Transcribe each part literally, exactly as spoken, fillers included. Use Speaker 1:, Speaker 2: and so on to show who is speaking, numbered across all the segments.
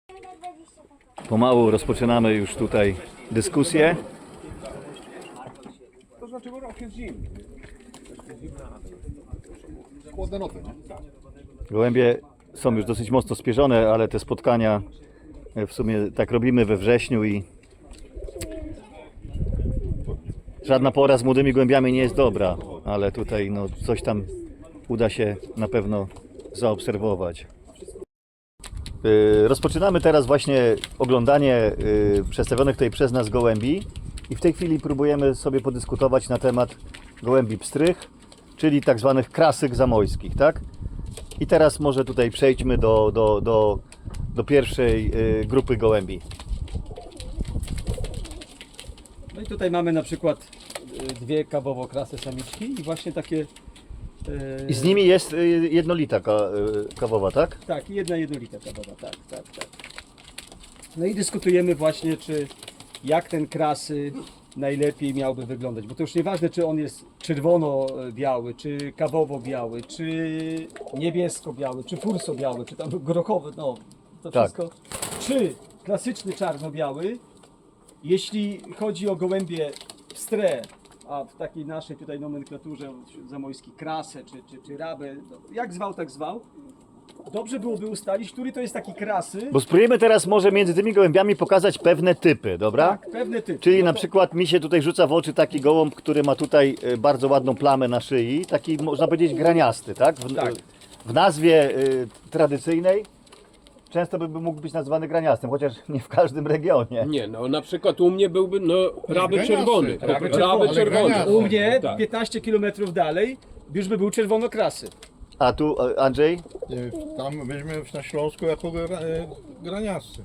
Speaker 1: Pomału rozpoczynamy już tutaj dyskusję.
Speaker 2: To znaczy, bo rok jest zimny.
Speaker 3: Chłodne noty, nie?
Speaker 1: Gołębie są już dosyć mocno spierzone, ale te spotkania w sumie tak robimy we wrześniu i żadna pora z młodymi gołębiami nie jest dobra, ale tutaj no, coś tam uda się na pewno zaobserwować. Yy, Rozpoczynamy teraz właśnie oglądanie yy, przedstawionych tutaj przez nas gołębi i w tej chwili próbujemy sobie podyskutować na temat gołębi pstrych, czyli tak zwanych krasyk zamojskich, tak? I teraz może tutaj przejdźmy do, do, do, do pierwszej yy, grupy gołębi.
Speaker 4: No i tutaj mamy na przykład y, dwie kawowo-krasy samiczki i właśnie takie... y,
Speaker 1: I z nimi jest yy, jednolita ka, yy, kawowa, tak?
Speaker 4: Tak, i jedna jednolita kawowa, tak, tak, tak. No i dyskutujemy właśnie, czy jak ten krasy najlepiej miałby wyglądać, bo to już nieważne, czy on jest czerwono-biały, czy kawowo-biały, czy niebiesko-biały, czy furso-biały, czy tam grochowy, no to
Speaker 1: Tak.
Speaker 4: wszystko. Czy klasyczny czarno-biały, jeśli chodzi o gołębie pstre, a w takiej naszej tutaj nomenklaturze zamojskiej krasę, czy, czy, czy rabę, no, jak zwał, tak zwał, dobrze byłoby ustalić, który to jest taki krasy.
Speaker 1: Bo spróbujemy teraz może między tymi gołębiami pokazać pewne typy, dobra?
Speaker 4: Tak, pewne typy.
Speaker 1: Czyli
Speaker 4: No
Speaker 1: na
Speaker 4: to-
Speaker 1: przykład mi się tutaj rzuca w oczy taki gołąb, który ma tutaj y, bardzo ładną plamę na szyi, taki można powiedzieć graniasty, tak? W,
Speaker 4: Tak.
Speaker 1: w nazwie y, tradycyjnej często by mógł być nazwany graniastym, chociaż nie w każdym regionie.
Speaker 2: Nie, no na przykład u mnie byłby no raby
Speaker 3: graniasty,
Speaker 2: czerwony.
Speaker 3: tak.
Speaker 2: Raby
Speaker 4: Raby
Speaker 2: czerwony.
Speaker 3: czerwony.
Speaker 2: czerwony.
Speaker 4: U mnie
Speaker 2: Tak.
Speaker 4: piętnaście kilometrów dalej już by był czerwonokrasy.
Speaker 1: A tu y, Andrzej?
Speaker 3: Nie, Tam weźmy na Śląsku jako gra, e, graniasy.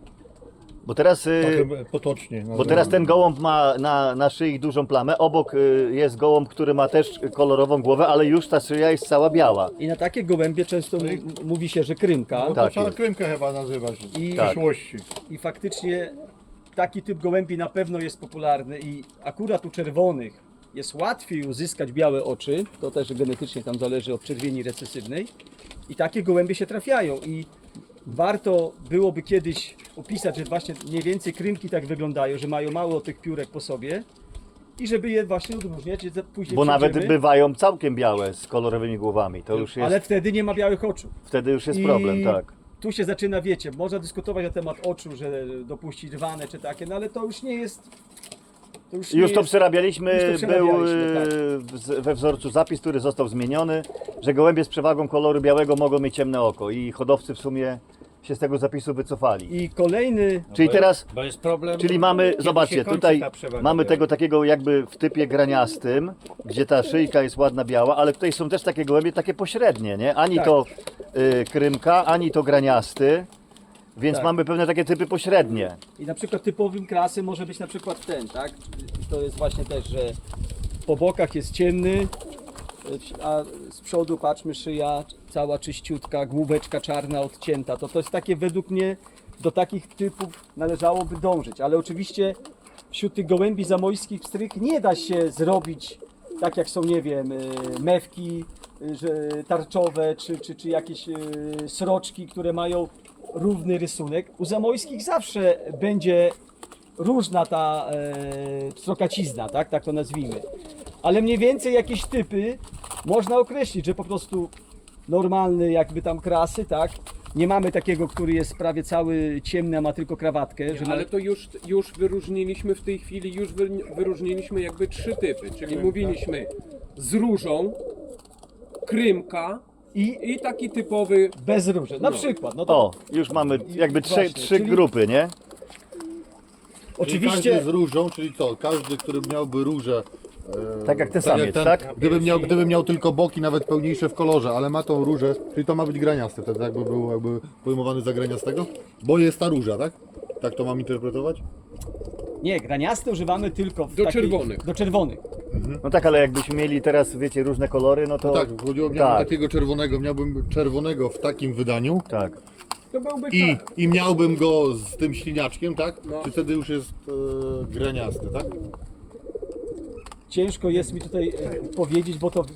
Speaker 1: Bo teraz, y,
Speaker 3: Tak potocznie.
Speaker 1: bo teraz ten gołąb ma na, na szyi dużą plamę, obok y, jest gołąb, który ma też kolorową głowę, ale już ta szyja jest cała biała.
Speaker 4: I na takie gołębie często m- mówi się, że krymka.
Speaker 3: No
Speaker 1: Tak
Speaker 3: to trzeba
Speaker 1: jest.
Speaker 3: krymkę chyba nazywać
Speaker 4: I-
Speaker 3: w
Speaker 4: Tak.
Speaker 3: przyszłości.
Speaker 4: I faktycznie taki typ gołębi na pewno jest popularny i akurat u czerwonych jest łatwiej uzyskać białe oczy, to też genetycznie tam zależy od czerwieni recesywnej i takie gołębie się trafiają i warto byłoby kiedyś opisać, że właśnie mniej więcej krymki tak wyglądają, że mają mało tych piórek po sobie i żeby je właśnie odróżniać, że później
Speaker 1: Bo nawet
Speaker 4: przejdziemy,
Speaker 1: bywają całkiem białe z kolorowymi głowami. To już jest,
Speaker 4: ale wtedy nie ma białych oczu.
Speaker 1: wtedy już jest
Speaker 4: I
Speaker 1: problem, tak.
Speaker 4: Tu się zaczyna, wiecie, można dyskutować na temat oczu, że dopuścić rwane czy takie, no ale to już nie jest. To już nie
Speaker 1: Już to
Speaker 4: jest,
Speaker 1: przerabialiśmy,
Speaker 4: już to przerabialiśmy,
Speaker 1: był
Speaker 4: tak.
Speaker 1: e, w- we wzorcu zapis, który został zmieniony, że gołębie z przewagą koloru białego mogą mieć ciemne oko i hodowcy w sumie się z tego zapisu wycofali.
Speaker 4: I kolejny,
Speaker 1: Czyli teraz,
Speaker 5: Bo jest problem.
Speaker 1: czyli mamy,
Speaker 5: kiedy
Speaker 1: zobaczcie,
Speaker 5: się kończy
Speaker 1: tutaj
Speaker 5: ta przewaga
Speaker 1: mamy
Speaker 5: biała.
Speaker 1: tego takiego jakby w typie graniastym, gdzie ta szyjka jest ładna biała, ale tutaj są też takie gołębie takie pośrednie, nie? Ani
Speaker 4: Tak.
Speaker 1: to y, krymka, ani to graniasty, więc
Speaker 4: Tak.
Speaker 1: mamy pewne takie typy pośrednie.
Speaker 4: i na przykład typowym klasy może być na przykład ten, tak? To jest właśnie też, że po bokach jest ciemny, a z przodu patrzmy szyja cała czyściutka, główeczka czarna odcięta. To to jest takie według mnie, do takich typów należałoby dążyć, ale oczywiście wśród tych gołębi zamojskich pstrych nie da się zrobić tak jak są, nie wiem, y, mewki y, że tarczowe, czy, czy, czy jakieś y, sroczki, które mają równy rysunek. U zamojskich zawsze będzie różna ta e, pstrokacizna, tak? Tak to nazwijmy. Ale mniej więcej jakieś typy można określić, że po prostu normalny jakby tam krasy, tak? Nie mamy takiego, który jest prawie cały ciemny, a ma tylko krawatkę. Że ma...
Speaker 2: Ale to już, już wyróżniliśmy w tej chwili, już wy, wyróżniliśmy jakby trzy typy, czyli mówiliśmy z różą, krymka
Speaker 4: I
Speaker 2: i taki typowy.
Speaker 4: bez róży. Na
Speaker 2: No.
Speaker 4: przykład, no to
Speaker 1: O, już mamy jakby trzy,
Speaker 4: Właśnie,
Speaker 1: trzy
Speaker 4: czyli-
Speaker 1: grupy, nie?
Speaker 4: oczywiście
Speaker 3: Każdy z różą, czyli co? Każdy, który miałby różę. e,
Speaker 1: Tak jak ten samiec,
Speaker 3: ten,
Speaker 1: tak?
Speaker 3: Gdyby miał, gdyby miał tylko boki, nawet pełniejsze w kolorze, ale ma tą różę, czyli to ma być graniasty, wtedy jakby był jakby pojmowany za graniastego? Bo jest ta róża, tak? Tak to mam interpretować?
Speaker 4: nie, graniaste używamy tylko w
Speaker 2: Do
Speaker 4: takiej-
Speaker 2: czerwonych.
Speaker 4: Do czerwonych.
Speaker 1: No tak, ale jakbyśmy mieli teraz, wiecie, różne kolory, no to...
Speaker 3: Tak, chodziło mi o
Speaker 1: tak,
Speaker 3: takiego czerwonego, miałbym czerwonego w takim wydaniu
Speaker 1: tak.
Speaker 2: To byłby
Speaker 3: i,
Speaker 2: czar-
Speaker 3: i miałbym go z tym śliniaczkiem, tak?
Speaker 2: No.
Speaker 3: Czy wtedy już jest e, graniasty, tak?
Speaker 4: Ciężko jest mi tutaj e, powiedzieć, bo to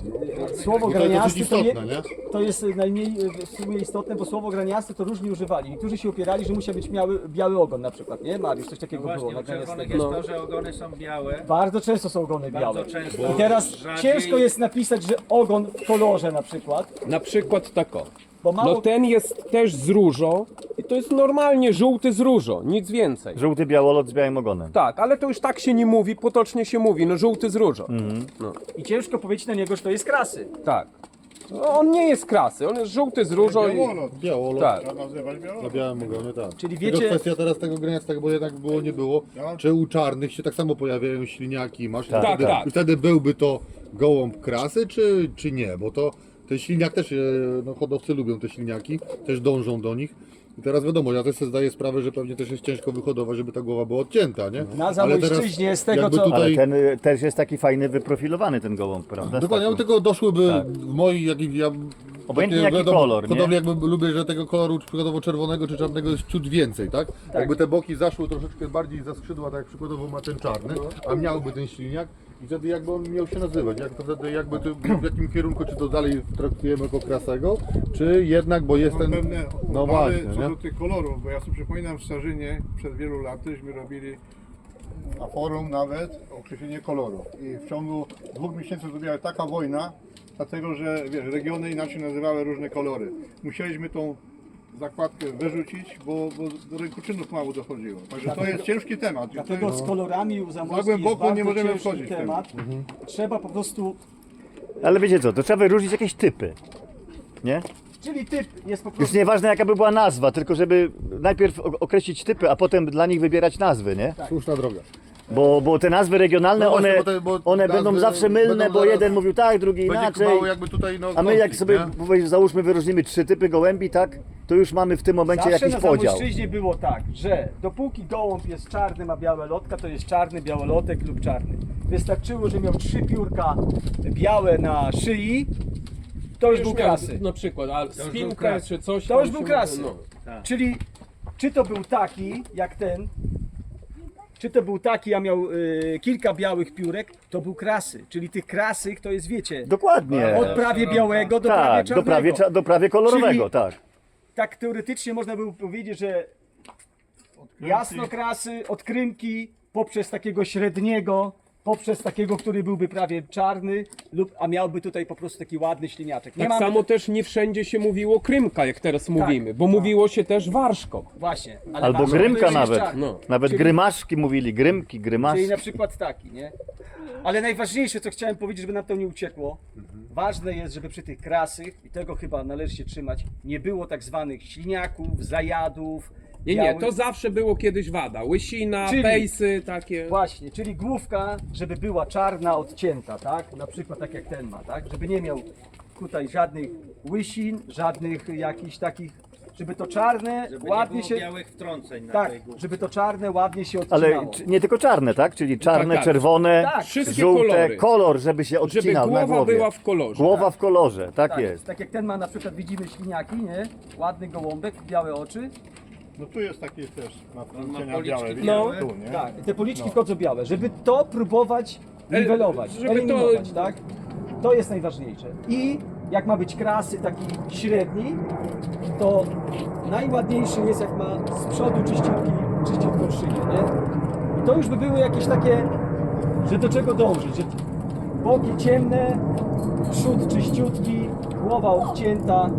Speaker 4: Słowo
Speaker 3: Bo to jest
Speaker 4: graniasty
Speaker 3: dosyć
Speaker 4: to, je,
Speaker 3: istotne, nie?
Speaker 4: to jest najmniej e, w sumie istotne, bo słowo graniasty to różni używali. Niektórzy się upierali, że musiał być biały, biały ogon na przykład, nie? Mariusz, coś takiego
Speaker 5: Właśnie,
Speaker 4: było.
Speaker 5: u czerwonych
Speaker 4: No.
Speaker 5: jest to, że ogony są białe.
Speaker 4: Bardzo często są ogony
Speaker 5: Bardzo
Speaker 4: białe.
Speaker 5: często.
Speaker 4: I teraz
Speaker 5: Rzadziej-
Speaker 4: ciężko jest napisać, że ogon w kolorze na przykład,
Speaker 2: Na przykład tako.
Speaker 4: bo mało...
Speaker 2: No ten jest też z różą i to jest normalnie żółty z różą, nic więcej.
Speaker 1: Żółty białolot z białym ogonem.
Speaker 2: Tak, ale to już tak się nie mówi, potocznie się mówi, no żółty z różą. No,
Speaker 4: I ciężko powiedzieć na niego, że to jest krasy.
Speaker 2: tak. No, on nie jest krasy, on jest żółty z różą i...
Speaker 6: Białolot.
Speaker 3: Białolot.
Speaker 2: Tak.
Speaker 6: Trzeba nazywać
Speaker 3: Na
Speaker 6: białolot.
Speaker 3: białym ogonie, tak.
Speaker 4: Czyli
Speaker 3: Tylko
Speaker 4: wiecie-
Speaker 3: kwestia teraz tego graniastego, bo jednak było, nie było. Czy u czarnych się tak samo pojawiają śliniaki, masz?
Speaker 1: Tak,
Speaker 3: I wtedy,
Speaker 2: tak.
Speaker 3: I wtedy byłby to gołąb krasy, czy, czy nie? Bo to ten śliniak też, e, no hodowcy lubią te śliniaki, też dążą do nich. I teraz wiadomo, ja też sobie zdaję sprawę, że pewnie też jest ciężko wyhodować, żeby ta głowa była odcięta, nie?
Speaker 4: Na
Speaker 3: Ale teraz
Speaker 4: Zamojszczyźnie z tego,
Speaker 3: jakby
Speaker 4: co-
Speaker 1: Ale
Speaker 3: tutaj,
Speaker 1: ten y, też jest taki fajny, wyprofilowany ten gołąb, prawda?
Speaker 3: Dokładnie,
Speaker 1: Z
Speaker 3: ja
Speaker 1: taką-
Speaker 3: tylko doszłyby
Speaker 1: Tak.
Speaker 3: w mojej, jak, ja,
Speaker 1: Obojętnie
Speaker 3: takie,
Speaker 1: jaki
Speaker 3: wiadomo,
Speaker 1: kolor, nie?
Speaker 3: hodowli jakby lubię, że tego koloru przykładowo czerwonego czy czarnego jest ciut więcej, tak? Jakby te boki zaszły troszeczkę bardziej za skrzydła, tak jak przykładowo ma ten czarny, a miałby ten silniak i wtedy jakby on miał się nazywać, jak to wtedy jakby to, w jakim kierunku, czy to dalej traktujemy jako krasego, czy jednak, bo jest
Speaker 6: Mam
Speaker 3: ten,
Speaker 6: pewne
Speaker 3: no
Speaker 6: obawy
Speaker 3: właśnie,
Speaker 6: co
Speaker 3: nie?
Speaker 6: do tych kolorów, bo ja sobie przypominam w Starzynie przed wielu latyśmy robili na forum nawet określenie kolorów i w ciągu dwóch miesięcy zrobiła taka wojna, dlatego że wiesz, regiony inaczej nazywały różne kolory. Musieliśmy tą zakładkę wyrzucić, bo, bo do rękoczynów mało dochodziło. Także to jest ciężki temat.
Speaker 4: Dlatego z kolorami u Zamojskich
Speaker 6: Za głęboko
Speaker 4: jest bardzo
Speaker 6: nie możemy
Speaker 4: ciężki
Speaker 6: wchodzić w
Speaker 4: temat. Trzeba po prostu...
Speaker 1: Ale wiecie co, to trzeba wyróżnić jakieś typy. Nie?
Speaker 4: Czyli typ jest po
Speaker 1: Już
Speaker 4: prostu...
Speaker 1: nieważne jaka by była nazwa, tylko żeby najpierw o- określić typy, a potem dla nich wybierać nazwy, nie?
Speaker 3: Słuszna droga.
Speaker 1: Bo, bo te nazwy regionalne,
Speaker 3: No właśnie,
Speaker 1: one,
Speaker 3: bo te- bo
Speaker 1: one
Speaker 3: nazwy
Speaker 1: będą zawsze mylne,
Speaker 3: będą
Speaker 1: bo
Speaker 3: zaraz-
Speaker 1: jeden mówił tak, drugi
Speaker 3: Będzie
Speaker 1: inaczej.
Speaker 3: mało jakby tutaj, no,
Speaker 1: A my jak
Speaker 3: konflikt,
Speaker 1: sobie,
Speaker 3: nie?
Speaker 1: powiedz- załóżmy, wyróżnimy trzy typy gołębi, tak? To już mamy w tym momencie
Speaker 4: Zawsze
Speaker 1: jakiś
Speaker 4: na
Speaker 1: podział.
Speaker 4: Zamojszczyźnie było tak, że dopóki gołąb jest czarny, ma białe lotka, to jest czarny białolotek lub czarny. Wystarczyło, że miał trzy piórka białe na szyi, to już był krasy.
Speaker 2: Na przykład, a spinka czy coś
Speaker 4: To
Speaker 2: tam
Speaker 4: już był
Speaker 2: się-
Speaker 4: krasy.
Speaker 2: no.
Speaker 4: Czyli czy to był taki jak ten, czy to był taki, a miał y, kilka białych piórek, to był krasy. Czyli tych krasych to jest, wiecie,
Speaker 1: Dokładnie.
Speaker 4: od prawie białego do prawie
Speaker 1: Tak,
Speaker 4: czarnego.
Speaker 1: do prawie, cza- do prawie kolorowego,
Speaker 4: Czyli-
Speaker 1: tak.
Speaker 4: Tak teoretycznie można by powiedzieć, że jasnokrasy, od krymki, poprzez takiego średniego, poprzez takiego, który byłby prawie czarny, lub, a miałby tutaj po prostu taki ładny śliniaczek. Nie
Speaker 2: Tak
Speaker 4: mamy-
Speaker 2: samo też nie wszędzie się mówiło krymka, jak teraz mówimy, bo mówiło się też warszkop.
Speaker 4: Właśnie. ale
Speaker 1: Albo
Speaker 4: ważne,
Speaker 1: grymka
Speaker 4: to jest
Speaker 1: nawet.
Speaker 4: czarny.
Speaker 2: No.
Speaker 1: Nawet
Speaker 4: Czyli-
Speaker 1: grymaszki mówili, grymki, grymaszki.
Speaker 4: Czyli na przykład taki, nie? Ale najważniejsze, co chciałem powiedzieć, żeby nam to nie uciekło, ważne jest, żeby przy tych krasych, i tego chyba należy się trzymać, nie było tak zwanych śliniaków, zajadów.
Speaker 2: Nie, nie,
Speaker 4: białych-
Speaker 2: to zawsze było kiedyś wada. Łysina,
Speaker 4: Czyli-
Speaker 2: pejsy takie.
Speaker 4: Właśnie, czyli główka, żeby była czarna, odcięta, tak? Na przykład tak jak ten ma, tak? Żeby nie miał tutaj żadnych łysin, żadnych jakichś takich, żeby to czarne
Speaker 5: Żeby
Speaker 4: ładnie
Speaker 5: nie było
Speaker 4: się...
Speaker 5: białych wtrąceń na
Speaker 4: Tak,
Speaker 5: tej górze.
Speaker 4: żeby to czarne ładnie się odcinało.
Speaker 1: Ale c- nie tylko czarne, tak? Czyli czarne,
Speaker 2: tak.
Speaker 1: czerwone,
Speaker 4: Tak.
Speaker 2: Wszystkie
Speaker 1: żółte,
Speaker 2: kolory.
Speaker 1: kolor, żeby się
Speaker 2: Żeby
Speaker 1: odcinał na
Speaker 2: głowa
Speaker 1: głowie.
Speaker 2: była w kolorze.
Speaker 1: Głowa w kolorze, tak,
Speaker 4: tak,
Speaker 1: jest.
Speaker 4: tak jak ten ma na przykład, widzimy śliniaki, nie? Ładny gołąbek, białe oczy.
Speaker 6: No tu jest taki też, ma wtrącenia
Speaker 5: policzki
Speaker 6: białe, widzisz?
Speaker 2: No.
Speaker 6: Tu, nie?
Speaker 4: Tak, i te policzki wchodzą białe, żeby to próbować niwelować,
Speaker 2: żeby to-
Speaker 4: eliminować, tak? To jest najważniejsze. I jak ma być krasy taki średni, to najładniejszy jest jak ma z przodu czyściutki, czyściutką szyję, nie? I to już by były jakieś takie, że do czego dążyć, że boki ciemne, przód czyściutki, głowa odcięta.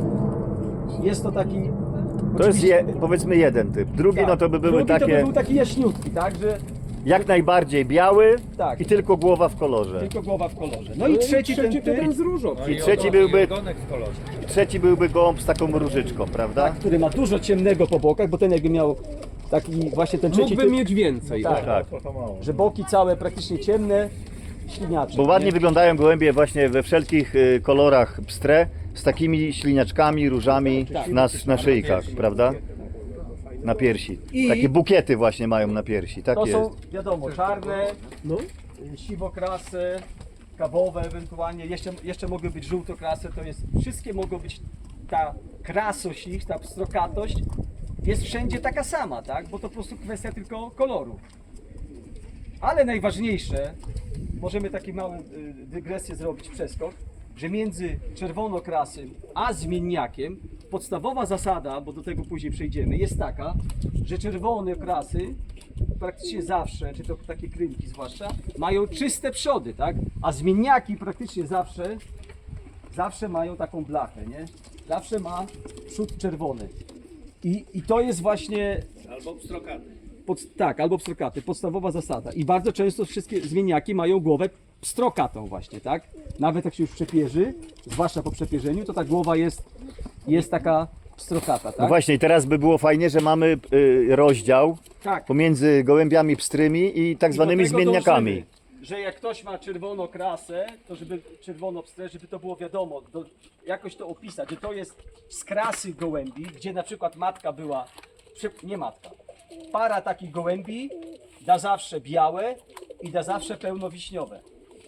Speaker 4: Jest to taki...
Speaker 1: To jest
Speaker 4: oczywiście-
Speaker 1: je, powiedzmy jeden typ. Drugi
Speaker 4: tak,
Speaker 1: no to by były
Speaker 4: drugi to by
Speaker 1: takie
Speaker 4: był taki jaśniutki, tak? Że
Speaker 1: jak najbardziej biały
Speaker 4: Tak.
Speaker 1: i tylko głowa w kolorze.
Speaker 4: tylko głowa w kolorze. No i trzeci, ten
Speaker 2: to
Speaker 4: typ,
Speaker 2: ten z różą.
Speaker 5: No
Speaker 1: I
Speaker 5: i
Speaker 1: trzeci
Speaker 5: ogon-
Speaker 1: byłby-
Speaker 5: i ogonek w kolorze.
Speaker 1: Trzeci byłby gołąb z taką różyczką, prawda?
Speaker 4: tak, który ma dużo ciemnego po bokach, bo ten jakby miał taki właśnie ten trzeci
Speaker 2: Mógłby
Speaker 4: typ,
Speaker 2: mieć więcej.
Speaker 4: Tak.
Speaker 2: o.
Speaker 1: Tak.
Speaker 6: To, to mało.
Speaker 4: że boki całe praktycznie ciemne, śliniaczek.
Speaker 1: Bo ładnie
Speaker 4: nie?
Speaker 1: wyglądają gołębie właśnie we wszelkich y, kolorach pstre, z takimi śliniaczkami, różami
Speaker 4: Tak.
Speaker 1: na, na szyjkach, prawda? Na piersi.
Speaker 4: I-
Speaker 1: Takie bukiety właśnie mają na piersi, tak
Speaker 4: To
Speaker 1: jest.
Speaker 4: są wiadomo czarne,
Speaker 2: No.
Speaker 4: y, siwokrasy, kawowe ewentualnie, jeszcze, jeszcze mogły być żółtokrasy, to jest, wszystkie mogą być, ta krasość ich, ta pstrokatość jest wszędzie taka sama, tak? Bo to po prostu kwestia tylko koloru. Ale najważniejsze możemy taki mały y, dygresję zrobić, przeskok, że między czerwonokrasym a zmienniakiem podstawowa zasada, bo do tego później przejdziemy, jest taka, że czerwone krasy praktycznie zawsze, czy to takie krymki zwłaszcza, mają czyste przody, tak? A zmienniaki praktycznie zawsze, zawsze mają taką blachę, nie? Zawsze ma przód czerwony. I, i to jest właśnie
Speaker 5: Albo pstrokaty.
Speaker 4: Pod, tak, albo pstrokaty, podstawowa zasada. I bardzo często wszystkie zmienniaki mają głowę pstrokatą właśnie, tak? Nawet jak się już przepierzy, zwłaszcza po przepierzeniu, to ta głowa jest, jest taka pstrokata,
Speaker 1: No
Speaker 4: tak?
Speaker 1: właśnie, i teraz by było fajnie, że mamy y, rozdział
Speaker 4: Tak.
Speaker 1: pomiędzy gołębiami pstrymi i tak
Speaker 4: I
Speaker 1: zwanymi
Speaker 4: do tego
Speaker 1: zmienniakami.
Speaker 4: dążymy, że jak ktoś ma czerwoną krasę, to żeby czerwono pstrę, żeby to było wiadomo, do, jakoś to opisać, że to jest z krasy gołębi, gdzie na przykład matka była, przy- nie matka, para takich gołębi da zawsze białe i da zawsze pełnowiśniowe.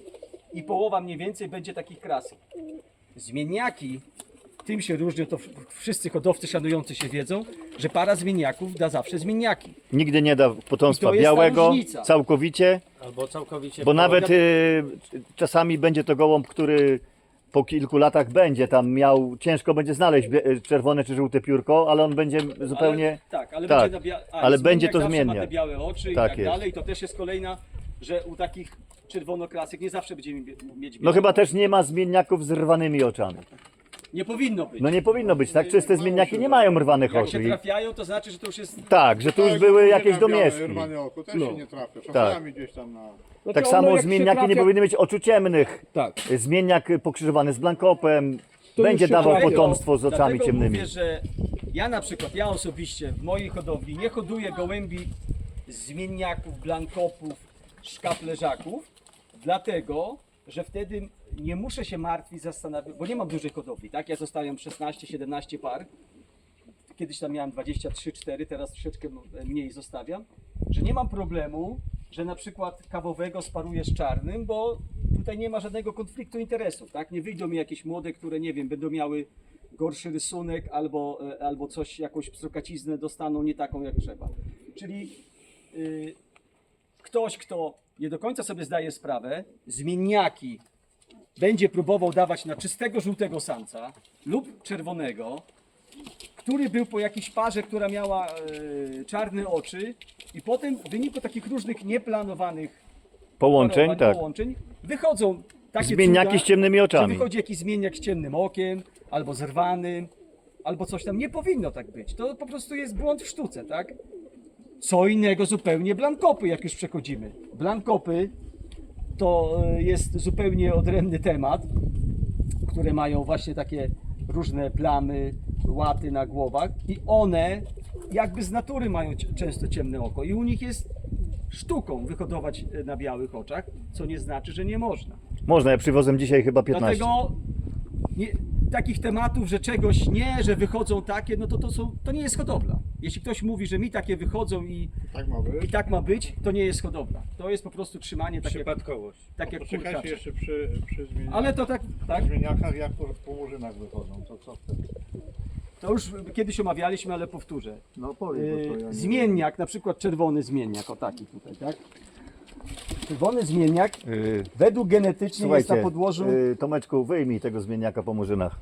Speaker 4: I połowa mniej więcej będzie takich krasy. Zmienniaki, tym się różnią, to w- wszyscy hodowcy szanujący się wiedzą, że para zmienniaków da zawsze zmienniaki.
Speaker 1: Nigdy nie da
Speaker 4: I
Speaker 1: potomstwa
Speaker 4: to jest ta
Speaker 1: białego
Speaker 4: różnica.
Speaker 1: całkowicie,
Speaker 5: Albo całkowicie.
Speaker 1: bo
Speaker 5: po-
Speaker 1: nawet y, czasami będzie to gołąb, który po kilku latach będzie tam miał, ciężko będzie znaleźć bie- y, czerwone czy żółte piórko, ale on będzie zupełnie...
Speaker 4: Ale, tak, ale
Speaker 1: tak,
Speaker 4: będzie, na bia- a,
Speaker 1: ale
Speaker 4: zmienniak
Speaker 1: będzie to
Speaker 4: zawsze ma te
Speaker 1: zmienniak.
Speaker 4: białe oczy i
Speaker 1: Tak
Speaker 4: tak
Speaker 1: jest.
Speaker 4: dalej. I to też jest kolejna, że u takich czerwonokrasek nie zawsze będziemy mie- mieć białe.
Speaker 1: No chyba też nie ma zmienniaków z rwanymi oczami.
Speaker 4: Nie powinno być.
Speaker 1: No nie powinno być, tak? Czyste zmienniaki nie mają rwanych
Speaker 4: Jak się
Speaker 1: oczu. I,
Speaker 4: trafiają, to znaczy, że to już jest...
Speaker 1: tak, że tu już
Speaker 6: Tak,
Speaker 1: były
Speaker 6: jak
Speaker 1: jakieś
Speaker 6: na białe,
Speaker 1: domieszki.
Speaker 6: rwane oko też
Speaker 4: No.
Speaker 6: się nie trafia. Czasami gdzieś tam na...
Speaker 4: No
Speaker 1: Tak
Speaker 4: to
Speaker 1: samo
Speaker 4: ono jak się
Speaker 1: zmienniaki nie
Speaker 4: trafia-
Speaker 1: powinny mieć oczu ciemnych.
Speaker 4: Tak.
Speaker 1: Zmienniak pokrzyżowany z blankopem
Speaker 4: To
Speaker 1: będzie
Speaker 4: już się
Speaker 1: dawał
Speaker 4: trafią.
Speaker 1: potomstwo z oczami
Speaker 4: Dlatego
Speaker 1: ciemnymi.
Speaker 4: mówię, że ja na przykład, ja osobiście w mojej hodowli nie hoduję gołębi zmienniaków, blankopów, szkaplerzaków, dlatego, że wtedy nie muszę się martwić, zastanawiać, bo nie mam dużej hodowli, tak? Ja zostawiam szesnaście siedemnaście par, kiedyś tam miałem dwadzieścia trzy cztery, teraz troszeczkę mniej zostawiam, że nie mam problemu, że na przykład kawowego sparuję z czarnym, bo tutaj nie ma żadnego konfliktu interesów, tak? Nie wyjdą mi jakieś młode, które nie wiem, będą miały gorszy rysunek albo, e, albo coś, jakąś pstrokaciznę dostaną nie taką jak trzeba. Czyli y, ktoś, kto nie do końca sobie zdaje sprawę, zmienniaki będzie próbował dawać na czystego żółtego samca lub czerwonego, który był po jakiejś parze, która miała e, czarne oczy i potem w wyniku takich różnych nieplanowanych
Speaker 1: Połączeń,
Speaker 4: parowań,
Speaker 1: tak.
Speaker 4: połączeń wychodzą takie
Speaker 1: Zmienniaki
Speaker 4: cuda,
Speaker 1: z ciemnymi
Speaker 4: że
Speaker 1: oczami.
Speaker 4: wychodzi jakiś zmienniak z ciemnym okiem, albo zerwanym, albo coś tam. Nie powinno tak być. To po prostu jest błąd w sztuce, tak? Co innego zupełnie blankopy, jak już przechodzimy. Blankopy to e, jest zupełnie odrębny temat, które mają właśnie takie różne plamy, łaty na głowach i one jakby z natury mają c- często ciemne oko i u nich jest sztuką wyhodować e, na białych oczach, co nie znaczy, że nie można.
Speaker 1: Można, ja przywozem dzisiaj chyba piętnaście.
Speaker 4: Dlatego nie, takich tematów, że czegoś nie, że wychodzą takie, no to to, są, to nie jest hodowla. Jeśli ktoś mówi, że mi takie wychodzą i,
Speaker 6: Tak ma być.
Speaker 4: i tak ma być, to nie jest hodowla. To jest po prostu trzymanie tak jak,
Speaker 5: Przypadkowość.
Speaker 4: tak jak
Speaker 6: Poczekajcie
Speaker 4: kurczak.
Speaker 6: jeszcze przy, przy zmieniakach.
Speaker 4: Ale to tak, tak,
Speaker 6: zmieniakach, jak po, po murzynach wychodzą, to co wtedy?
Speaker 4: to już kiedyś omawialiśmy, ale powtórzę.
Speaker 6: No powiedz, bo to ja
Speaker 4: Yy,
Speaker 6: nie
Speaker 4: zmienniak, na przykład czerwony zmienniak, o taki tutaj, tak? Czerwony zmienniak
Speaker 1: Yy,
Speaker 4: według genetycznie jest
Speaker 1: słuchajcie,
Speaker 4: na podłożu,
Speaker 1: yy, Tomeczku, wyjmij tego zmienniaka po murzynach.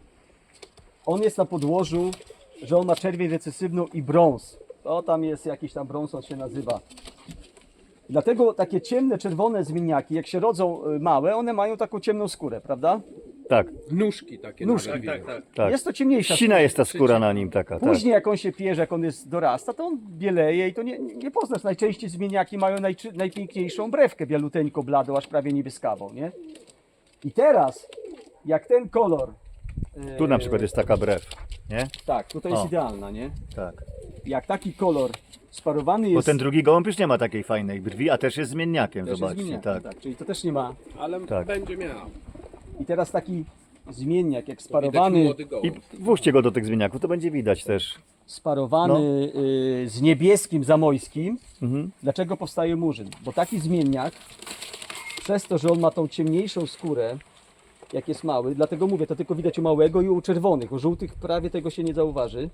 Speaker 4: on jest na podłożu, że on ma czerwień recesywną i brąz. To tam jest jakiś tam brąz, on się nazywa. Dlatego takie ciemne, czerwone zmienniaki, jak się rodzą y, małe, one mają taką ciemną skórę, prawda?
Speaker 1: Tak,
Speaker 2: Nóżki takie.
Speaker 4: Nóżki.
Speaker 2: nawet.
Speaker 5: Tak, tak.
Speaker 1: tak.
Speaker 4: Jest to ciemniejsza
Speaker 1: Ścina jest ta skóra na nim taka, tak.
Speaker 4: Później jak on się pierze, jak on jest dorasta, to on bieleje i to nie, nie poznasz. Najczęściej zmieniaki mają najczy, najpiękniejszą brewkę, bialuteńko bladą, aż prawie niebieskawą, nie? I teraz, jak ten kolor...
Speaker 1: Tu
Speaker 4: e,
Speaker 1: na przykład jest taka brew, nie?
Speaker 4: Tak, tutaj jest
Speaker 1: O.
Speaker 4: idealna, nie?
Speaker 1: Tak.
Speaker 4: Jak taki kolor sparowany
Speaker 1: Bo
Speaker 4: jest...
Speaker 1: ten drugi gołąb już nie ma takiej fajnej brwi, a też jest zmienniakiem,
Speaker 4: też jest
Speaker 1: zobaczcie,
Speaker 4: zmienniakiem,
Speaker 1: tak.
Speaker 4: tak. Czyli to też nie ma...
Speaker 2: Ale
Speaker 1: Tak.
Speaker 2: będzie miał.
Speaker 4: I teraz taki zmienniak, jak
Speaker 2: Widać
Speaker 4: sparowany,
Speaker 2: młody
Speaker 1: I
Speaker 2: gołąb.
Speaker 1: włóżcie go do tych zmienniaków, to będzie widać też.
Speaker 4: sparowany
Speaker 1: No.
Speaker 4: y, z niebieskim zamojskim.
Speaker 1: Mhm.
Speaker 4: Dlaczego powstaje murzyn? Bo taki zmienniak, przez to, że on ma tą ciemniejszą skórę, jak jest mały, dlatego mówię, to tylko widać u małego i u czerwonych, u żółtych prawie tego się nie zauważy.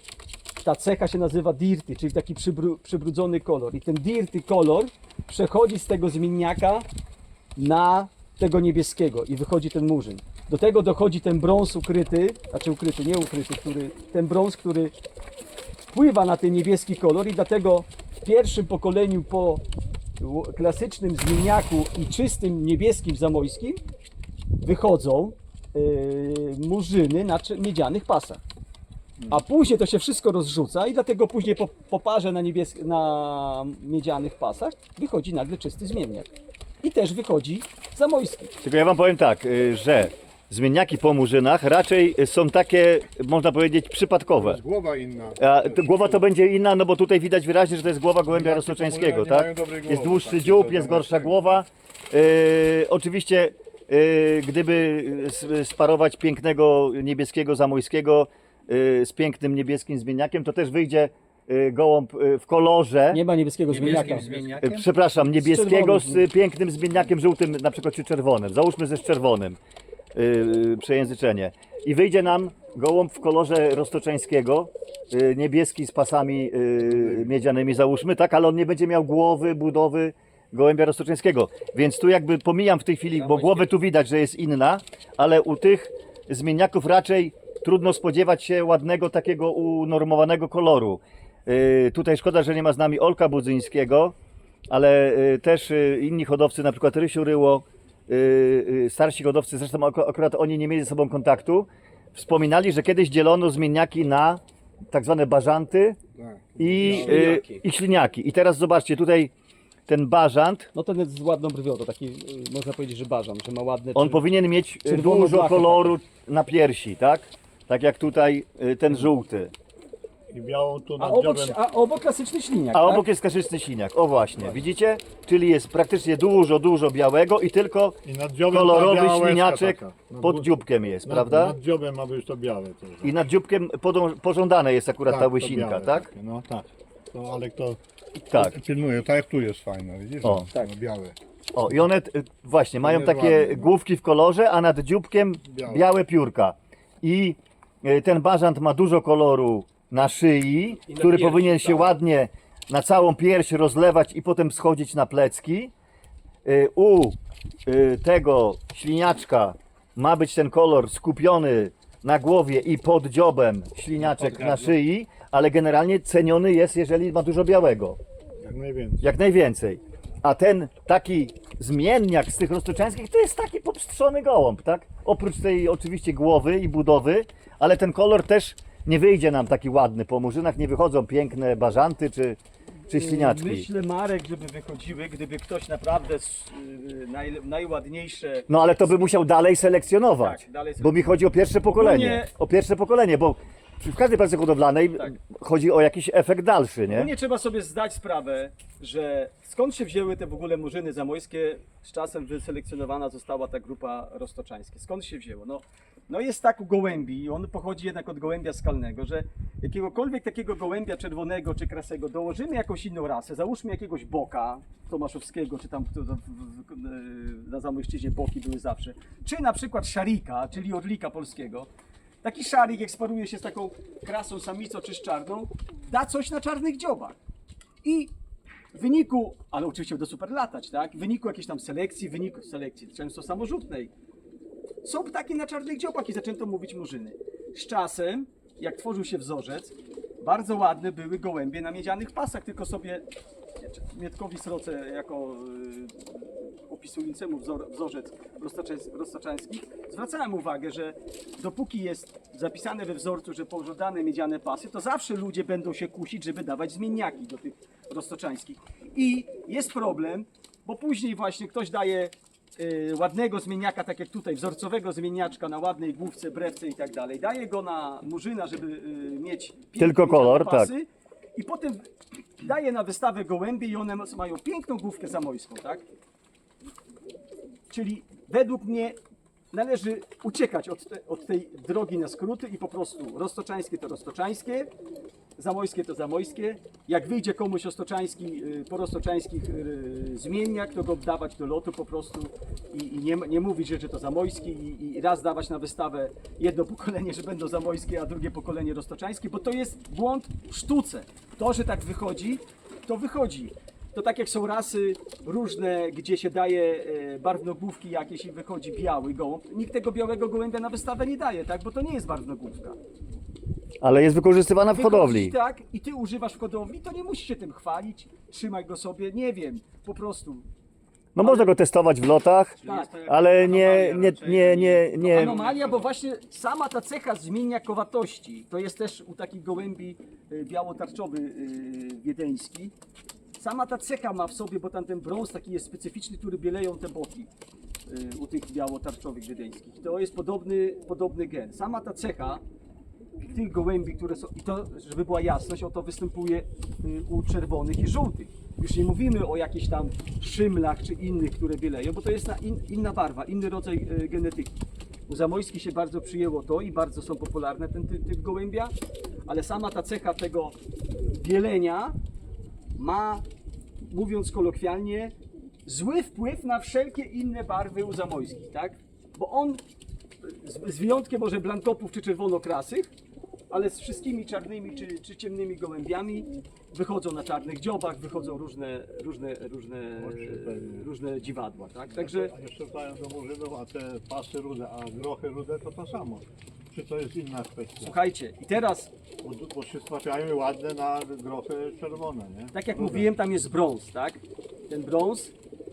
Speaker 4: Ta cecha się nazywa dirty, czyli taki przybru, przybrudzony kolor. I ten dirty kolor przechodzi z tego zmienniaka na tego niebieskiego i wychodzi ten murzyn. Do tego dochodzi ten brąz ukryty, znaczy ukryty, nie ukryty, który, ten brąz, który wpływa na ten niebieski kolor i dlatego w pierwszym pokoleniu po ł- klasycznym zmienniaku i czystym niebieskim zamojskim wychodzą yy, murzyny na cze- miedzianych pasach. A później to się wszystko rozrzuca i dlatego później po, po parze na, niebies- na miedzianych pasach wychodzi nagle czysty zmienniak. I też wychodzi zamojski.
Speaker 1: Tylko ja wam powiem tak, y, że zmienniaki po murzynach raczej są takie, można powiedzieć, przypadkowe.
Speaker 6: Głowa inna.
Speaker 1: A to głowa to będzie inna, no bo tutaj widać wyraźnie, że to jest głowa gołębia roztoczańskiego,
Speaker 6: nie
Speaker 1: tak?
Speaker 6: mają dobrej głowy,
Speaker 1: Jest dłuższy
Speaker 6: tak,
Speaker 1: dziób,
Speaker 6: to
Speaker 1: jest
Speaker 6: zamiast
Speaker 1: gorsza
Speaker 6: tego.
Speaker 1: głowa. Yy, oczywiście, yy, gdyby s- sparować pięknego niebieskiego zamojskiego yy, z pięknym niebieskim zmienniakiem, to też wyjdzie yy, gołąb yy, w kolorze.
Speaker 4: Nie ma niebieskiego zmienniaka.
Speaker 1: Yy, Przepraszam, niebieskiego z,
Speaker 4: czerwonym.
Speaker 1: y, pięknym zmienniakiem żółtym, na przykład czy czerwonym. Załóżmy ze z czerwonym. Yy, przejęzyczenie. I wyjdzie nam gołąb w kolorze roztoczańskiego, yy, niebieski z pasami yy, miedzianymi załóżmy, tak, ale on nie będzie miał głowy, budowy gołębia roztoczańskiego. Więc tu jakby pomijam w tej chwili, bo głowę tu widać, że jest inna, ale u tych zmienniaków raczej trudno spodziewać się ładnego takiego unormowanego koloru. Yy, tutaj szkoda, że nie ma z nami Olka Budzyńskiego, ale yy, też yy, inni hodowcy, na przykład Rysiu Ryło, Yy, yy, starsi hodowcy, zresztą ak- akurat oni nie mieli ze sobą kontaktu, wspominali, że kiedyś dzielono zmienniaki na tak zwane bażanty
Speaker 6: Tak.
Speaker 1: i,
Speaker 2: No.
Speaker 1: yy,
Speaker 2: Śliniaki.
Speaker 1: i śliniaki. I teraz zobaczcie, tutaj ten bażant,
Speaker 4: No ten jest z ładną brwią, to taki, y, można powiedzieć, że bażan, że ma ładne...
Speaker 1: on
Speaker 4: czy-
Speaker 1: powinien mieć yy,
Speaker 4: czerwoną
Speaker 1: dużo
Speaker 4: blachę
Speaker 1: koloru na piersi, tak? Tak jak tutaj yy, ten żółty.
Speaker 6: I białą tu
Speaker 4: A
Speaker 6: nad
Speaker 4: obok,
Speaker 6: dziobem.
Speaker 4: a obok klasyczny śliniak,
Speaker 1: A
Speaker 4: tak?
Speaker 1: obok jest kaszyczny śliniak, o właśnie, widzicie? Czyli jest praktycznie dużo, dużo białego i tylko
Speaker 6: I nad dziobem ta
Speaker 1: kolorowy
Speaker 6: biała łezka
Speaker 1: śliniaczek
Speaker 6: taka. Nad
Speaker 1: pod
Speaker 6: górą-
Speaker 1: dzióbkiem jest,
Speaker 6: nad,
Speaker 1: prawda?
Speaker 6: Nad dziobem ma być to białe też.
Speaker 1: I nad dzióbkiem podą- pożądane jest akurat
Speaker 6: Tak,
Speaker 1: ta
Speaker 6: to
Speaker 1: łysinka,
Speaker 6: białe
Speaker 1: tak?
Speaker 6: takie, No tak. To, ale to
Speaker 1: Tak.
Speaker 6: pilnuje, tak jak tu jest fajne, widzisz?
Speaker 1: O,
Speaker 6: tak. No, białe.
Speaker 1: O, i one y, właśnie mają
Speaker 6: jest
Speaker 1: takie
Speaker 6: ładne, no.
Speaker 1: główki w kolorze, a nad dzióbkiem białe,
Speaker 6: Białe.
Speaker 1: piórka. I y, ten bażant ma dużo koloru na szyi,
Speaker 2: I na
Speaker 1: który
Speaker 2: piersi,
Speaker 1: powinien się
Speaker 2: tak.
Speaker 1: ładnie na całą pierś rozlewać i potem schodzić na plecki. Y, U y, tego śliniaczka ma być ten kolor skupiony na głowie i pod dziobem śliniaczek na szyi, ale generalnie ceniony jest, jeżeli ma dużo białego.
Speaker 6: Jak najwięcej.
Speaker 1: Jak najwięcej. A ten taki zmienniak z tych roztoczańskich to jest taki popstrzony gołąb, tak? Oprócz tej oczywiście głowy i budowy, ale ten kolor też nie wyjdzie nam taki ładny. Po murzynach nie wychodzą piękne bażanty czy, czy śliniaczki.
Speaker 4: Myślę, Marek, żeby wychodziły, gdyby ktoś naprawdę s- y, naj, najładniejsze...
Speaker 1: No ale to by musiał dalej selekcjonować,
Speaker 4: Tak, dalej
Speaker 1: bo mi chodzi o pierwsze pokolenie.
Speaker 4: Ogólnie-
Speaker 1: O pierwsze pokolenie, bo w każdej pracy hodowlanej
Speaker 4: Tak.
Speaker 1: chodzi o jakiś efekt dalszy,
Speaker 4: No
Speaker 1: nie?
Speaker 4: nie trzeba sobie zdać sprawę, że skąd się wzięły te w ogóle murzyny zamojskie, z czasem wyselekcjonowana została ta grupa roztoczańskie. Skąd się wzięło? No, no jest tak u gołębi, on pochodzi jednak od gołębia skalnego, że jakiegokolwiek takiego gołębia czerwonego czy krasego dołożymy jakąś inną rasę, załóżmy jakiegoś boka tomaszowskiego, czy tam w- w- w- na Zamojszczyźnie boki były zawsze, czy na przykład szarika, czyli orlika polskiego. Taki szarik, jak sparuje się z taką krasą samicą czy z czarną, da coś na czarnych dziobach. I w wyniku, ale oczywiście do super latać, tak? W wyniku jakiejś tam selekcji, w wyniku selekcji często samorzutnej, są ptaki na czarnych dziobach i zaczęto mówić murzyny. Z czasem, jak tworzył się wzorzec, bardzo ładne były gołębie na miedzianych pasach, tylko sobie Mietkowi Sroce jako y, opisującemu wzor, wzorzec roztoczańs- roztoczański zwracałem uwagę, że dopóki jest zapisane we wzorcu, że pożądane miedziane pasy, to zawsze ludzie będą się kusić, żeby dawać zmienniaki do tych roztoczańskich. I jest problem, bo później właśnie ktoś daje y, ładnego zmienniaka, tak jak tutaj, wzorcowego zmienniaczka na ładnej główce, brewce i tak dalej. Daje go na murzyna, żeby y, mieć piękne
Speaker 1: Tylko
Speaker 4: miedziane
Speaker 1: kolor,
Speaker 4: pasy, i potem daje na wystawę gołębie i one mają piękną główkę zamojską, tak? Czyli według mnie należy uciekać od, te, od tej drogi na skróty i po prostu roztoczańskie to roztoczańskie, zamojskie to zamojskie. Jak wyjdzie komuś roztoczański, y, po roztoczańskich y, zmienniak, to go dawać do lotu po prostu i, i nie, nie mówić, że, że to zamojski i, i raz dawać na wystawę jedno pokolenie, że będą zamojskie, a drugie pokolenie roztoczańskie, bo to jest błąd w sztuce. To, że tak wychodzi, to wychodzi. To tak jak są rasy różne, gdzie się daje e, barwnogłówki jakieś i wychodzi biały gołąb. Nikt tego białego gołębia na wystawę nie daje, tak? Bo to nie jest barwnogłówka.
Speaker 1: Ale jest wykorzystywana w
Speaker 4: Wychodzi,
Speaker 1: hodowli.
Speaker 4: tak, i ty używasz w hodowli, to nie musisz się tym chwalić, trzymaj go sobie, nie wiem, po prostu.
Speaker 1: No można go testować w lotach,
Speaker 4: Tak.
Speaker 1: ale nie, nie, nie, nie, nie.
Speaker 4: Anomalia, bo właśnie sama ta cecha zmieniakowatości, to jest też u takich gołębi y, białotarczowy y, wiedeński, sama ta cecha ma w sobie, bo tam ten brąz taki jest specyficzny, który bieleją te boki y, u tych białotarczowych wiedeńskich. To jest podobny, podobny gen. Sama ta cecha tych gołębi, które są, i to, żeby była jasność, o to występuje y, u czerwonych i żółtych. Już nie mówimy o jakichś tam szymlach czy innych, które bieleją, bo to jest na in, inna barwa, inny rodzaj y, genetyki. U zamojskich się bardzo przyjęło to i bardzo są popularne ten typ, typ gołębia, ale sama ta cecha tego bielenia ma, mówiąc kolokwialnie, zły wpływ na wszelkie inne barwy u zamojskich, tak? Bo on, z, z wyjątkiem może blankopów czy czerwonokrasych, ale z wszystkimi czarnymi czy, czy ciemnymi gołębiami wychodzą na czarnych dziobach, wychodzą różne, różne, różne, różne dziwadła, tak? Także
Speaker 6: A jeszcze wracają do murzynów, a te pasy rude, a grochy rude to to samo. Czy to jest inna kwestia?
Speaker 4: słuchajcie, i teraz,
Speaker 6: Bo, bo się trafiają ładne na grochy czerwone, nie?
Speaker 4: tak jak mówiłem, tam jest brąz, tak? Ten brąz,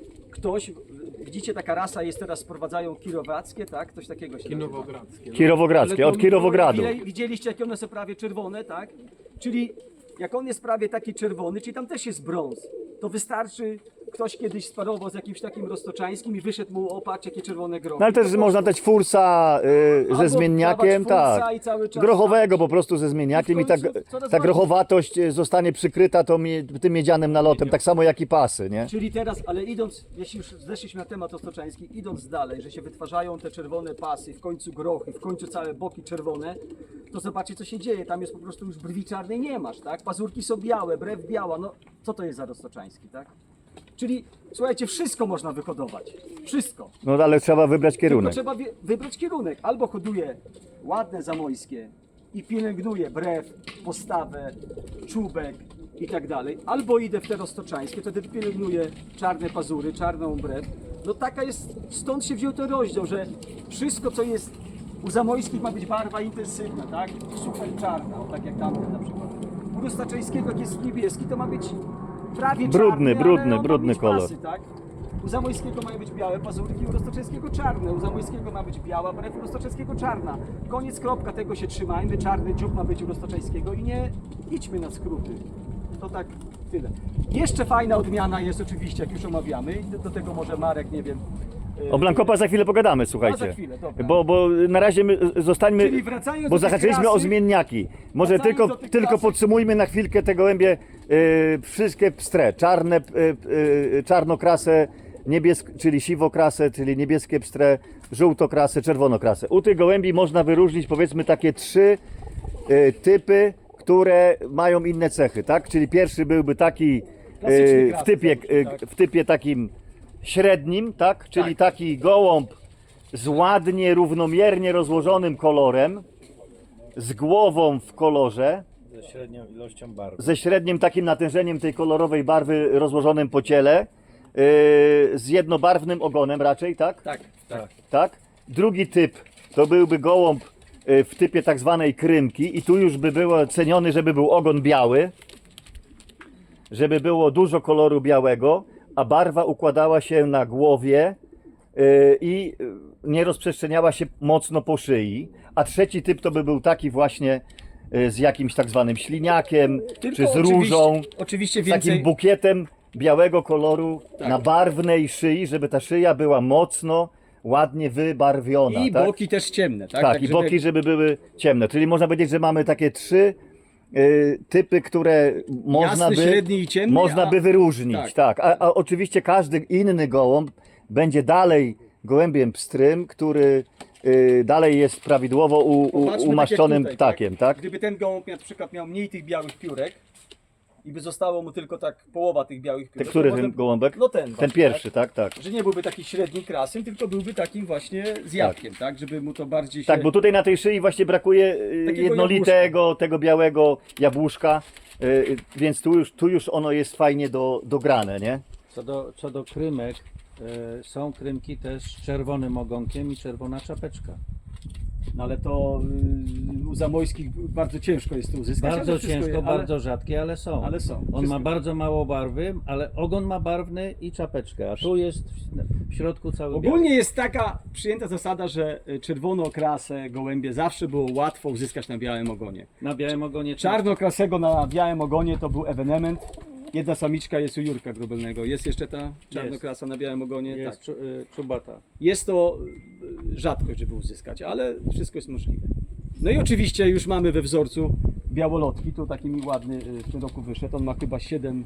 Speaker 4: ktoś, widzicie, taka rasa jest teraz, sprowadzają kirowackie, tak? Coś takiego się nazywa.
Speaker 2: Kinowogradzkie.
Speaker 1: Kirowogradzkie,
Speaker 4: Ale
Speaker 1: od
Speaker 4: to-
Speaker 1: Kirowogradu.
Speaker 4: Widzieli- Widzieliście, jakie one są prawie czerwone, tak? Czyli jak on jest prawie taki czerwony, czyli tam też jest brąz, to wystarczy, ktoś kiedyś sparował z jakimś takim roztoczańskim i wyszedł mu, o patrz, jakie czerwone grochy.
Speaker 1: No ale też
Speaker 4: To
Speaker 1: można dać fursa y, ze
Speaker 4: Albo
Speaker 1: zmienniakiem,
Speaker 4: dawać fursa
Speaker 1: tak.
Speaker 4: i cały czas
Speaker 1: Grochowego
Speaker 4: stawić.
Speaker 1: po prostu ze zmienniakiem
Speaker 4: I
Speaker 1: i
Speaker 4: w
Speaker 1: ta,
Speaker 4: końcu coraz
Speaker 1: ta
Speaker 4: bardziej-
Speaker 1: grochowatość y, zostanie przykryta tą, mie- tym miedzianym nalotem, tak samo jak i pasy, nie?
Speaker 4: Czyli teraz, ale idąc, jeśli już zeszliśmy na temat roztoczański, idąc dalej, że się wytwarzają te czerwone pasy, w końcu grochy, w końcu całe boki czerwone, to zobaczcie, co się dzieje. Tam jest po prostu już brwi czarnej nie masz, tak? Pazurki są białe, brew biała, no co to jest za roztoczański, tak? Czyli słuchajcie, wszystko można wyhodować. Wszystko.
Speaker 1: No ale trzeba wybrać
Speaker 4: Tylko
Speaker 1: kierunek.
Speaker 4: trzeba wie- wybrać kierunek. Albo hoduję ładne zamojskie i pielęgnuję brew, postawę, czubek i tak dalej. Albo idę w te roztoczańskie, wtedy pielęgnuję czarne pazury, czarną brew. No taka jest, stąd się wziął ten rozdział, że wszystko co jest u zamojskich ma być barwa intensywna, tak? Super czarna, o, tak jak tamten na przykład. U roztoczańskiego jak jest niebieski, to ma być prawie
Speaker 1: Brudny,
Speaker 4: czarny,
Speaker 1: brudny,
Speaker 4: ale on ma
Speaker 1: brudny
Speaker 4: mieć
Speaker 1: kolor.
Speaker 4: pasy, tak? U zamojskiego mają być białe pazurki, u roztoczeskiego czarne. U zamojskiego ma być biała brew, u roztoczeskiego czarna. Koniec, kropka, tego się trzymajmy. Czarny dziób ma być u roztoczeskiego i nie idźmy na skróty. To tak tyle. Jeszcze fajna odmiana jest oczywiście, jak już omawiamy. I do, do tego może Marek, nie wiem. yy,
Speaker 1: O Blankopa za chwilę pogadamy, słuchajcie.
Speaker 4: za chwilę, dobra.
Speaker 1: Bo, bo na razie my zostańmy,
Speaker 4: Czyli wracając
Speaker 1: bo
Speaker 4: do tej
Speaker 1: zahaczyliśmy
Speaker 4: klasy-
Speaker 1: o zmienniaki. Może
Speaker 4: wracając
Speaker 1: tylko,
Speaker 4: do tych
Speaker 1: tylko
Speaker 4: klasy-
Speaker 1: podsumujmy na chwilkę te gołębie, yy, wszystkie pstre, czarne, yy, yy, czarnokrasę, niebiesk, czyli siwokrasę, czyli niebieskie pstre, żółtokrasę, czerwonokrasę. U tych gołębi można wyróżnić powiedzmy takie trzy yy, typy, które mają inne cechy, tak? Czyli pierwszy byłby taki
Speaker 4: Klasyczny
Speaker 1: yy, w,
Speaker 4: krasy,
Speaker 1: typie,
Speaker 4: załóżmy,
Speaker 1: yy,
Speaker 4: tak.
Speaker 1: w typie takim średnim, tak? Czyli taki gołąb z ładnie, równomiernie rozłożonym kolorem, z głową w kolorze,
Speaker 5: Ze średnią ilością barw.
Speaker 1: ze średnim takim natężeniem tej kolorowej barwy rozłożonym po ciele, yy, z jednobarwnym ogonem raczej, tak?
Speaker 4: Tak, tak.
Speaker 1: Tak? Drugi typ to byłby gołąb yy, w typie tak zwanej krymki i tu już by było ceniony, żeby był ogon biały, żeby było dużo koloru białego, a barwa układała się na głowie yy, i yy, nie rozprzestrzeniała się mocno po szyi. A trzeci typ to by był taki właśnie yy, z jakimś tak zwanym śliniakiem,
Speaker 4: Tylko
Speaker 1: czy z
Speaker 4: oczywiście-
Speaker 1: różą,
Speaker 4: Oczywiście
Speaker 1: z
Speaker 4: więcej.
Speaker 1: takim bukietem białego koloru
Speaker 4: Tak.
Speaker 1: na barwnej szyi, żeby ta szyja była mocno, ładnie wybarwiona.
Speaker 4: I
Speaker 1: tak?
Speaker 4: boki też ciemne, tak?
Speaker 1: Tak, i
Speaker 4: żeby-
Speaker 1: boki, żeby były ciemne. Czyli można powiedzieć, że mamy takie trzy y, typy, które można
Speaker 4: Jasny,
Speaker 1: by,
Speaker 4: średni i ciemny,
Speaker 1: można
Speaker 4: a-
Speaker 1: by wyróżnić.
Speaker 4: tak.
Speaker 1: Tak. A, a oczywiście każdy inny gołąb będzie dalej gołębiem pstrym, który y, dalej jest prawidłowo u, u,
Speaker 4: Popatrzmy, tak jak
Speaker 1: umaszczonym
Speaker 4: tutaj,
Speaker 1: ptakiem. Tak?
Speaker 4: Gdyby ten gołąb na przykład miał mniej tych białych piórek i by zostało mu tylko tak połowa tych białych
Speaker 1: Ten,
Speaker 4: piórek.
Speaker 1: który
Speaker 4: to
Speaker 1: ten
Speaker 4: potem-
Speaker 1: gołąbek?
Speaker 4: No ten
Speaker 1: Ten
Speaker 4: właśnie,
Speaker 1: pierwszy, tak, tak.
Speaker 4: Tak? Że nie byłby taki średni krasym, tylko byłby takim właśnie zjawkiem, tak? Żeby mu to bardziej się...
Speaker 1: Tak, bo tutaj na tej szyi właśnie brakuje y,
Speaker 4: Takiego
Speaker 1: jednolitego, tego białego jabłuszka, y, y, więc tu już, tu już ono jest fajnie do, dograne, nie?
Speaker 5: Co do, co do krymek, e, są krymki też z czerwonym ogonkiem i czerwona czapeczka.
Speaker 4: No ale to y, u zamojskich bardzo ciężko jest to uzyskać.
Speaker 5: Bardzo
Speaker 4: ale wszystko
Speaker 5: ciężko,
Speaker 4: je- ale-
Speaker 5: bardzo rzadkie, ale są.
Speaker 4: ale są.
Speaker 5: On
Speaker 4: Wszystko.
Speaker 5: ma bardzo mało barwy, ale ogon ma barwny i czapeczkę, a tu jest w, w środku cały biały.
Speaker 4: Ogólnie jest taka przyjęta zasada, że y, czerwono-krasę gołębie zawsze było łatwo uzyskać na białym ogonie.
Speaker 5: Na białym ogonie
Speaker 4: Czarnokrasego na białym ogonie to był ewenement. Jedna samiczka jest u Jurka Grubelnego. Jest jeszcze ta czarnokrasa na białym ogonie?
Speaker 5: jest
Speaker 4: Tak.
Speaker 5: czu, y, czubata.
Speaker 4: Jest to y, rzadkość, żeby uzyskać, ale wszystko jest możliwe. No i oczywiście już mamy we wzorcu białolotki. Tu taki mi ładny y, w tym roku wyszedł. On ma chyba siedem,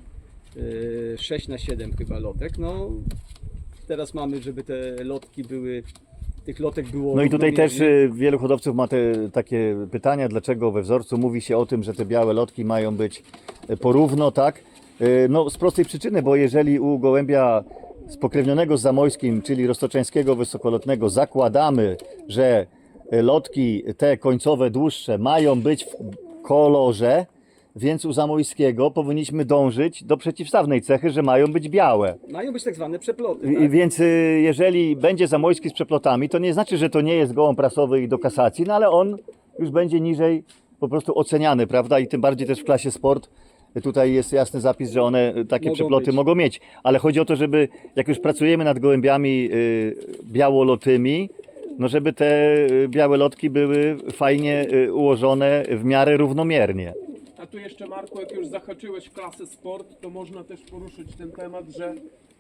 Speaker 4: y, sześć na siedem chyba lotek. No teraz mamy, żeby te lotki były, tych lotek było...
Speaker 1: No i tutaj też
Speaker 4: równomiernie.
Speaker 1: y, wielu hodowców ma te takie pytania, dlaczego we wzorcu mówi się o tym, że te białe lotki mają być y, porówno, tak? Y, No z prostej przyczyny, bo jeżeli u gołębia spokrewnionego z zamojskim, czyli roztoczeńskiego wysokolotnego zakładamy, że y, lotki te końcowe, dłuższe mają być w kolorze, więc u zamojskiego powinniśmy dążyć do przeciwstawnej cechy, że mają być białe.
Speaker 4: Mają być tak zwane przeploty.
Speaker 1: I-
Speaker 4: Tak?
Speaker 1: Więc y, jeżeli będzie zamojski z przeplotami, to nie znaczy, że to nie jest gołąb prasowy i do kasacji, no ale on już będzie niżej po prostu oceniany, prawda? I tym bardziej też w klasie sport y, tutaj jest jasny zapis, że one y, takie
Speaker 4: Mogą
Speaker 1: przeploty
Speaker 4: być.
Speaker 1: mogą mieć. Ale chodzi o to, żeby jak już pracujemy nad gołębiami y, białolotymi, no żeby te y, białe lotki były fajnie y, ułożone w miarę równomiernie.
Speaker 2: A tu jeszcze, Marku, jak już zahaczyłeś klasę sport, to można też poruszyć ten temat, że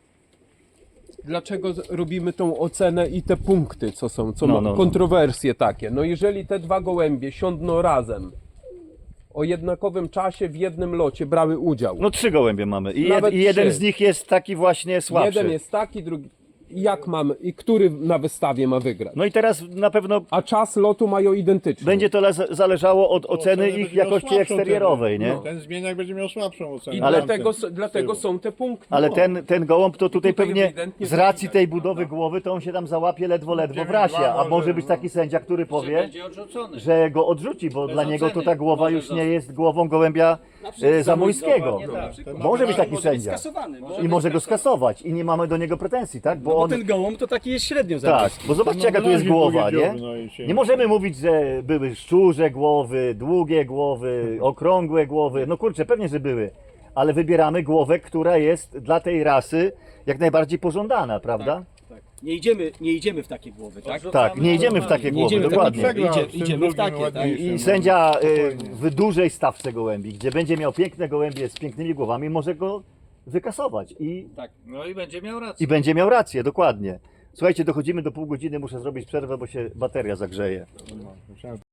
Speaker 2: dlaczego z- robimy tą ocenę i te punkty, co są, co
Speaker 1: No,
Speaker 2: ma
Speaker 1: no, no.
Speaker 2: kontrowersje takie. No jeżeli te dwa gołębie siądną razem o jednakowym czasie w jednym locie brały udział.
Speaker 1: No trzy gołębie mamy i, jed,
Speaker 2: Nawet
Speaker 1: i jeden
Speaker 2: trzy.
Speaker 1: z nich jest taki właśnie słabszy.
Speaker 2: Jeden jest taki, drugi. Jak mamy i który na wystawie ma wygrać?
Speaker 1: No i teraz na pewno
Speaker 2: A czas lotu mają identyczny.
Speaker 1: będzie to le- zależało od oceny
Speaker 6: Oceny
Speaker 1: ich
Speaker 6: będzie miał
Speaker 1: jakości
Speaker 6: słabszą
Speaker 1: eksterierowej,
Speaker 6: cenę.
Speaker 1: nie?
Speaker 6: No. Ten zmieniak będzie miał słabszą ocenę.
Speaker 2: I
Speaker 1: Ale-
Speaker 2: dlatego,
Speaker 6: Tamten.
Speaker 2: dlatego
Speaker 6: z tyłu.
Speaker 2: są te punkty.
Speaker 1: Ale
Speaker 2: No.
Speaker 1: ten, ten gołąb to tutaj
Speaker 2: Tutaj
Speaker 1: pewnie
Speaker 2: ewidentnie
Speaker 1: z racji
Speaker 2: to
Speaker 1: tej
Speaker 2: widać,
Speaker 1: budowy
Speaker 2: prawda?
Speaker 1: głowy to on się tam załapie ledwo, ledwo w
Speaker 6: Dziewięć
Speaker 1: rasie,
Speaker 6: dwa
Speaker 1: a
Speaker 6: może,
Speaker 1: może być
Speaker 6: no.
Speaker 1: taki sędzia, który powie,
Speaker 5: Będzie odrzucony.
Speaker 1: że go odrzuci, bo dla niego to
Speaker 5: oceny.
Speaker 1: ta głowa
Speaker 5: Może
Speaker 1: już nie
Speaker 5: zostać.
Speaker 1: jest głową gołębia e, zamojskiego.
Speaker 5: dokładnie tak.
Speaker 6: Ten
Speaker 1: Może być taki
Speaker 4: Może być
Speaker 1: sędzia
Speaker 4: skasowany. Może
Speaker 1: i może go skasować i nie mamy do niego pretensji, tak? Bo
Speaker 4: Bo
Speaker 1: on...
Speaker 4: ten gołąb to taki jest średnio
Speaker 1: Tak,
Speaker 4: zaraz.
Speaker 1: bo zobaczcie
Speaker 6: No,
Speaker 1: jaka tu jest
Speaker 6: razie
Speaker 1: głowa, nie?
Speaker 6: powiedziałby, no i się-
Speaker 1: Nie możemy mówić, że były szczurze głowy, długie głowy, okrągłe głowy. No kurczę, pewnie, że były. Ale wybieramy głowę, która jest dla tej rasy jak najbardziej pożądana, prawda?
Speaker 4: Nie idziemy, nie idziemy w takie głowy, tak?
Speaker 1: Tak, nie idziemy w takie
Speaker 4: Nie
Speaker 1: głowy,
Speaker 4: idziemy w
Speaker 1: dokładnie.
Speaker 4: takie,
Speaker 6: Przegrał
Speaker 4: idzie,
Speaker 6: z tym
Speaker 4: idziemy w
Speaker 6: drugim
Speaker 4: takie, tak?
Speaker 6: ładniejszym.
Speaker 1: I sędzia y, w dużej stawce gołębi, gdzie będzie miał piękne gołębie z pięknymi głowami, może go wykasować i,
Speaker 5: No i będzie miał rację.
Speaker 1: i będzie miał rację, dokładnie. Słuchajcie, dochodzimy do pół godziny, muszę zrobić przerwę, bo się bateria zagrzeje.
Speaker 6: Myślałem,